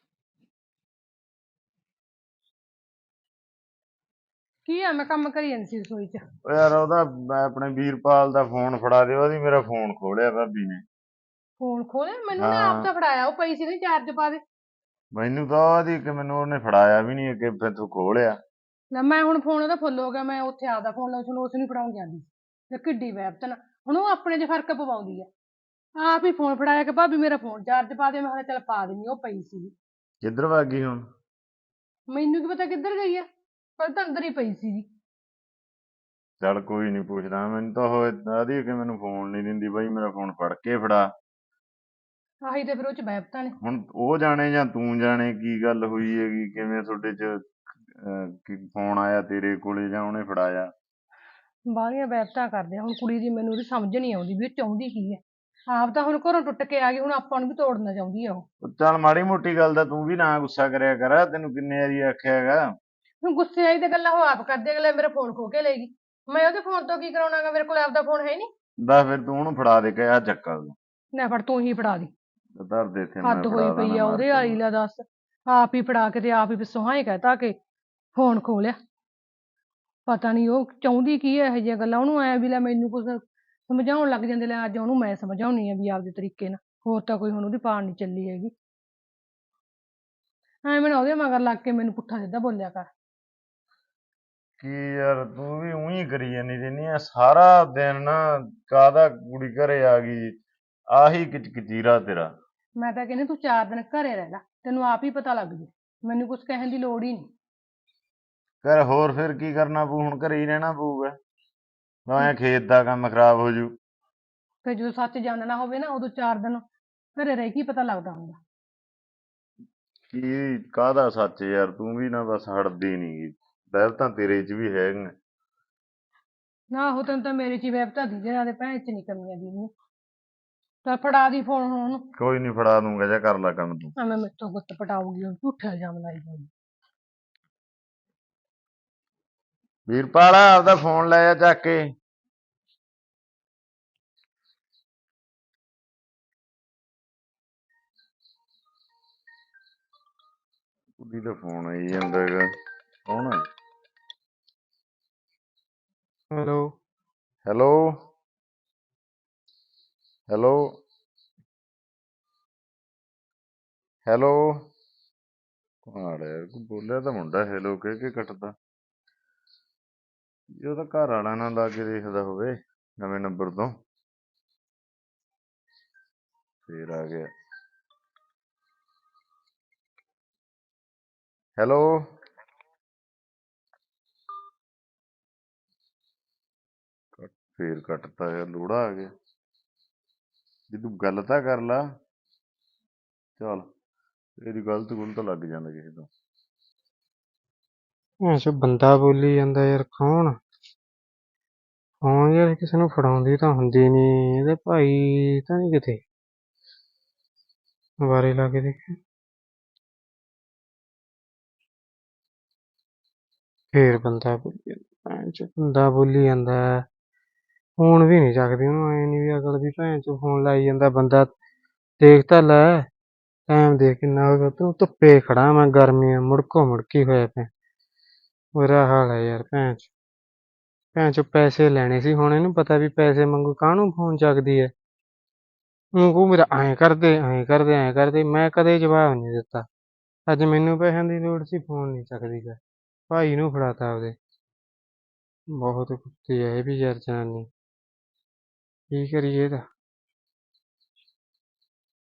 ਕੀ ਆ, ਮੈਂ ਕੰਮ ਕਰੀ ਜਾਂਦੀ ਸੀ ਰਸੋਈ 'ਚ।
ਉਹ ਯਾਰ, ਉਹਦਾ ਮੈਂ ਆਪਣੇ ਵੀਰਪਾਲ ਦਾ ਫੋਨ ਫੜਾ ਦੇ, ਉਹਦੀ ਮੇਰਾ ਫੋਨ ਖੋਲਿਆ ਭਾਬੀ ਨੇ।
ਫੋਨ ਖੋਲਿਆ? ਮੈਨੂੰ ਨੇ ਆਪ
ਹਾਂ,
ਤਾਂ ਫੜਾਇਆ, ਉਹ ਪਈ ਸੀ ਨਾ ਚਾਰਜ ਪਾ ਦੇ।
ਮੈਨੂੰ ਤਾਂ ਉਹਦੀ ਕਿ ਮੈਨੂੰ ਉਹਨੇ ਫੜਾਇਆ ਵੀ ਨਹੀਂ ਅੱਗੇ, ਫਿਰ ਤੂੰ ਖੋਲਿਆ।
ਲੈ ਮੈਂ ਹੁਣ ਫੋਨ ਉਹਦਾ ਫੁੱਲ ਹੋ ਗਿਆ, ਮੈਂ ਉੱਥੇ ਆਪਦਾ ਫੋਨ ਲਾ ਉਸ ਨੂੰ ਫੜਾਉਣ ਜਾਂਦੀ ਸੀ। ਤੇ ਕਿੱਡੀ ਵੈਬਤਨ, ਹੁਣ ਉਹ ਆਪਣੇ 'ਚ ਫਰਕ ਪਵਾਉਂਦੀ ਆ। ਆਪ ਹੀ ਫੋਨ ਫੜਾਇਆ ਕਿ ਭਾਬੀ ਮੇਰਾ ਫੋਨ ਚਾਰਜ ਪਾ ਦੇ, ਮੈਂ ਕਿਹਾ ਚੱਲ ਪਾ ਦਿੰਦੀ, ਉਹ ਪਈ ਸੀ।
ਕਿੱਧਰ ਭੱਗ ਗਈ ਹੁਣ?
ਮੈਨੂੰ ਕੀ ਪਤਾ ਕਿੱਧਰ ਗਈ ਆ, ਪਰ ਤਾਂ ਅੰਦਰ ਹੀ ਪਈ ਸੀ।
ਚੱਲ ਕੋਈ ਨੀ, ਪੁੱਛਦਾ। ਮੈਨੂੰ ਤਾਂ ਉਹ ਆਦੀ ਕਿ ਮੈਨੂੰ ਫੋਨ ਨਹੀਂ ਦਿੰਦੀ, ਬਾਈ ਮੇਰਾ ਫੋਨ ਫੜ ਕੇ ਫੜਾ।
ਆਹੀ ਤੇ ਫਿਰ ਉਹ 'ਚ ਵੈਬਤਾਂ ਨੇ।
ਹੁਣ ਉਹ ਜਾਣੇ ਜਾਂ ਤੂੰ ਜਾਣੇ ਕੀ ਗੱਲ ਹੋਈ ਹੈਗੀ, ਕਿਵੇਂ ਤੁਹਾਡੇ 'ਚ ਫੋਨ ਆਇਆ ਤੇਰੇ ਕੋਲੇ ਜਾਂ ਉਹਨੇ ਫੜਾਇਆ।
ਬਾਹਲੀਆਂ ਵੈਬਤਾਂ ਕਰਦੇ ਆ। ਹੁਣ ਕੁੜੀ ਦੀ ਮੈਨੂੰ ਉਹਦੀ ਸਮਝ ਨਹੀਂ ਆਉਂਦੀ ਵੀ ਉਹ ਚਾਹੁੰਦੀ ਕੀ ਹੈ। ਆਪ ਤਾਂ ਹੁਣ ਘਰੋਂ ਟੁੱਟ ਕੇ ਆ ਗਈ, ਹੁਣ ਆਪਾਂ ਨੂੰ ਵੀ ਤੋੜਨਾ ਚਾਹੁੰਦੀ ਆ ਉਹ।
ਚੱਲ ਮਾੜੀ ਮੋਟੀ ਗੱਲ ਦਾ ਤੂੰ ਵੀ ਨਾ ਗੁੱਸਾ ਕਰਿਆ ਕਰ, ਤੈਨੂੰ ਕਿੰਨੇ ਵਾਰੀ ਆਖਿਆ ਹੈਗਾ।
ਹੁਣ ਗੁੱਸੇ ਆਈ ਤੇ ਗੱਲਾਂ ਉਹ ਆਪ ਕਰਦੇ, ਅਗਲੇ ਮੇਰਾ ਫੋਨ ਖੋ ਕੇ ਲੈ ਗਈ। ਮੈਂ ਉਹਦੇ ਫੋਨ ਤੋਂ ਕੀ ਕਰਾਉਣਾਗਾ, ਮੇਰੇ ਕੋਲ ਆਪਦਾ ਫੋਨ ਹੈ ਨਹੀਂ।
ਦੱਸ ਫਿਰ ਤੂੰ ਉਹਨੂੰ ਫੜਾ ਦੇ ਕੇ ਆ ਚੱਕਾ
ਲੈ ਫੜ ਤੂੰ ਹੀ ਫੜਾ ਦੀ।
ਧਰ ਦੇ ਇੱਥੇ, ਮੈਂ
ਹੱਦ ਹੋਈ
ਫੜਾ
ਪਈ
ਦੇਣਾ
ਆ
ਮਾਰ
ਉਹਦੇ
ਕੇ
ਵਾਲੀ,
ਮੂੰਹ।
ਲੈ ਦੱਸ। ਆਪ ਹੀ ਫੜਾ ਕੇ ਤੇ ਆਪ ਹੀ ਪਿੱਛੋਂ ਹਾਂ ਹੀ ਕਹਿਤਾ ਕਿ ਫੋਨ ਖੋ ਲਿਆ। ਪਤਾ ਨਹੀਂ ਉਹ ਚਾਹੁੰਦੀ ਕੀ ਹੈ, ਇਹੋ ਜਿਹੀਆਂ ਗੱਲਾਂ ਉਹਨੂੰ ਐ ਵੀ ਲੈ ਮੈਨੂੰ ਕੁਛ ਸਮਝਾਉਣ ਲੱਗ ਜਾਂਦੇ। ਲੈ ਅੱਜ ਉਹਨੂੰ ਮੈਂ ਸਮਝਾਉਣੀ ਆ ਵੀ ਆਪਦੇ ਤਰੀਕੇ ਨਾਲ, ਹੋਰ ਤਾਂ ਕੋਈ ਹੁਣ ਉਹਦੀ ਪਾੜ ਨਹੀਂ ਚੱਲੀ ਹੈਗੀ। ਐਵੇਂ ਨਾ ਉਹਦੇ ਮਗਰ ਲੱਗ ਕੇ ਮੈਨੂੰ ਪੁੱਠਾ ਸਿੱਧਾ ਬੋਲਿਆ ਕਰ।
ਕੀ ਯਾਰ, ਤੂੰ ਵੀ ਉਹੀ ਕਰੀ ਜਾਂਦੀ ਰਹਿੰਦੀ ਆ ਸਾਰਾ ਦਿਨ ਨਾ। ਕਾਹਦਾ ਕੁੜੀ ਘਰੇ ਆ ਗਈ, ਆਹੀ ਕਿਚਕਚੀਰਾ ਤੇਰਾ।
ਮੈਂ ਤਾਂ ਕਹਿੰਦੀ ਤੂੰ 4 ਦਿਨ ਘਰੇ ਰਹਿ ਲੈ, ਤੈਨੂੰ ਆਪ ਹੀ ਪਤਾ ਲੱਗ ਜੂ। ਮੈਨੂੰ ਕੁਛ ਕਹਿਣ ਦੀ ਲੋੜ ਹੀ ਨਹੀਂ।
ਘਰ ਹੋਰ ਫਿਰ ਕੀ ਕਰਨਾ ਪਊ, ਹੁਣ ਘਰੇ ਹੀ ਰਹਿਣਾ ਪਊਗਾ। ਭਾਵੇਂ ਖੇਤ ਦਾ ਕੰਮ ਖਰਾਬ ਹੋ ਜੂ।
ਫਿਰ ਜਦੋਂ ਸੱਚ ਜਾਣਨਾ ਹੋਵੇ ਨਾ, ਉਦੋਂ 4 ਦਿਨ ਘਰੇ ਰਹਿ ਕੇ ਹੀ ਪਤਾ ਲੱਗਦਾ ਹੁੰਦਾ।
ਕੀ ਕਾਹਦਾ ਸੱਚ ਯਾਰ, ਤੂੰ ਵੀ ਨਾ ਬਸ ਹਟਦੀ ਨੀ। ਬਹਿਲ ਤਾਂ ਤੇਰੇ 'ਚ ਵੀ ਹੈਗੀਆਂ।
ਨਾ ਉਹ ਤੈਨੂੰ ਤਾਂ ਮੇਰੇ 'ਚ ਹੀ ਵਹਿਬਤਾ ਦੀ, ਜਿਹਨਾਂ ਦੇ ਭੈਣ 'ਚ ਨਹੀਂ ਕਮੀਆਂ ਦੀ। ਤਾਂ ਫੜਾ ਦੀ ਫੋਨ ਹੁਣ ਉਹਨੂੰ।
ਕੋਈ ਨੀ, ਫੜਾ ਦੂੰਗਾ, ਜਾ ਕਰ ਲੈ ਕੰਮ ਤੂੰ।
ਐਵੇਂ ਮੇਰੇ ਤੋਂ ਗੁੱਤ ਪਟਾਊਗੀ, ਉਹ ਝੂਠਾ ਇਲਜ਼ਾਮ ਲਾਈ ਜਾਊਗੀ।
ਵੀਰਪਾਲ, ਆਪਦਾ ਫੋਨ ਲੈ ਜਾ ਚੱਕ ਕੇ। ਕੁੜੀ ਦਾ ਫੋਨ ਆਈ ਜਾਂਦਾ ਹੈਗਾ, ਕੌਣ ਹੈ?
ਹੈਲੋ।
Hello hello hello. ਕਮਾਲ ਹੈ ਯਾਰ, ਕੋਈ ਬੋਲਿਆ ਤਾਂ ਮੁੰਡਾ ਹੈਲੋ ਕਹਿ ਕੇ ਕੱਟਦਾ। ਜੇ ਉਹਦਾ ਘਰ ਵਾਲਾ ਨਾ ਲਾ ਕੇ ਦੇਖਦਾ ਹੋਵੇ ਨਵੇਂ ਨੰਬਰ ਤੋਂ, ਫੇਰ ਆ ਗਿਆ। ਹੈਲੋ। ਫੇਰ ਕੱਟਤਾ ਯਾਰ, ਲੋੜਾ ਆ ਗਿਆ। ਜੇ ਤੂੰ ਗੱਲ ਤਾਂ ਕਰ ਲਾ। ਚੱਲ ਇਹਦੀ ਗਲਤ ਗੁਲਤ ਲੱਗ ਜਾਂਦਾ ਕਿਸੇ ਤੋਂ।
ਐਸੋ ਬੰਦਾ ਬੋਲੀ ਜਾਂਦਾ ਯਾਰ, ਕੌਣ? ਫੋਨ ਯਾਰ ਕਿਸੇ ਨੂੰ ਫੜਾਉਂਦੀ ਤਾਂ ਹੁੰਦੀ ਨੀ, ਇਹਦੇ ਭਾਈ ਤਾਂ ਨਹੀਂ ਕਿਤੇ ਬਾਰੇ ਲਾ ਕੇ ਦੇਖੇ। ਫੇਰ ਬੰਦਾ ਬੋਲੀ ਜਾਂਦਾ, ਬੰਦਾ ਬੋਲੀ ਜਾਂਦਾ। ਫੋਨ ਵੀ ਨਹੀਂ ਚੱਕਦੀ ਉਹਨੂੰ, ਐ ਨੀ ਵੀ ਅਕਲ ਵੀ ਭੈਣ ਚੋ ਫੋਨ ਲਾਈ ਜਾਂਦਾ ਬੰਦਾ। ਦੇਖ ਤਾਂ ਲੈ ਟਾਈਮ ਦੇਖ ਕਿੰਨਾ ਹੋ ਗਿਆ ਤੂੰ ਧੁੱਪੇ ਖੜਾ ਮੈਂ ਗਰਮੀ ਆ ਮੁੜਕੋ ਮੁੜਕੀ ਹੋਇਆ ਪਿਆ ਬੁਰਾ ਹਾਲ ਹੈ ਯਾਰ ਭੈਣ ਚੋ ਪੈਸੇ ਲੈਣੇ ਸੀ ਹੁਣ ਇਹਨੂੰ ਪਤਾ ਵੀ ਪੈਸੇ ਮੰਗੂ ਕਾਹਨੂੰ ਫੋਨ ਚੱਕਦੀ ਐ ਉਹ ਮੇਰਾ ਐਂ ਕਰਦੇ ਮੈਂ ਕਦੇ ਜਵਾਬ ਨਹੀਂ ਦਿੱਤਾ ਅੱਜ ਮੈਨੂੰ ਪੈਸਿਆਂ ਦੀ ਲੋੜ ਸੀ ਫੋਨ ਨਹੀਂ ਚੱਕਦੀ ਗਾ ਭਾਈ ਨੂੰ ਫੜਾਤਾ ਆਪਦੇ ਬਹੁਤ ਕੁੱਤੀ ਐ ਇਹ ਵੀ ਯਾਰ ਜਨਾਨੀ ਕੀ ਕਰੀਏ ਇਹਦਾ